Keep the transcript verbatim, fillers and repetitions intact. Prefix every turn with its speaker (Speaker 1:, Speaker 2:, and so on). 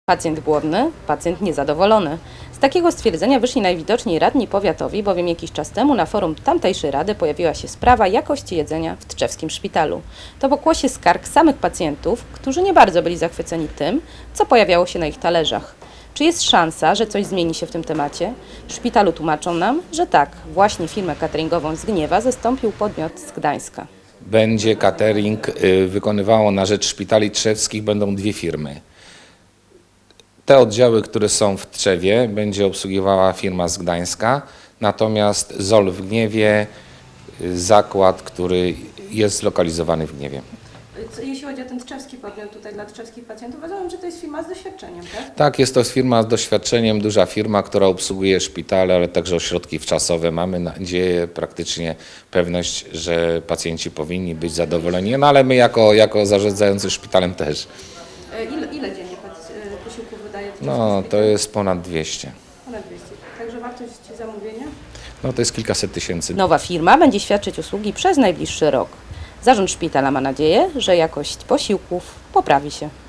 Speaker 1: Pacjent głodny, pacjent niezadowolony. Z takiego stwierdzenia wyszli najwidoczniej radni powiatowi, bowiem jakiś czas temu na forum tamtejszej rady pojawiła się sprawa jakości jedzenia w tczewskim szpitalu. To pokłosie skarg samych pacjentów, którzy nie bardzo byli zachwyceni tym, co pojawiało się na ich talerzach. Czy jest szansa, że coś zmieni się w tym temacie? W szpitalu tłumaczą nam, że tak, właśnie firmę cateringową z Gniewa zastąpił podmiot z Gdańska.
Speaker 2: Będzie catering y, wykonywało na rzecz szpitali trzewskich, będą dwie firmy. Te oddziały, które są w Tczewie, będzie obsługiwała firma z Gdańska, natomiast Z O L w Gniewie, y, zakład, który jest zlokalizowany w Gniewie.
Speaker 1: Jeśli chodzi o ten tczewski podmiot tutaj dla tczewskich pacjentów, rozumiem, że to jest firma z doświadczeniem, tak?
Speaker 2: Tak, jest to firma z doświadczeniem, duża firma, która obsługuje szpitale, ale także ośrodki wczasowe. Mamy nadzieję, praktycznie pewność, że pacjenci powinni być zadowoleni, no ale my jako, jako zarządzający szpitalem też.
Speaker 1: Ile, ile dziennie posiłków wydaje tczewski
Speaker 2: No,
Speaker 1: szpital?
Speaker 2: to jest ponad dwieście.
Speaker 1: Ponad dwieście. Także wartość zamówienia?
Speaker 2: No, to jest kilkaset tysięcy.
Speaker 1: Nowa firma będzie świadczyć usługi przez najbliższy rok. Zarząd szpitala ma nadzieję, że jakość posiłków poprawi się.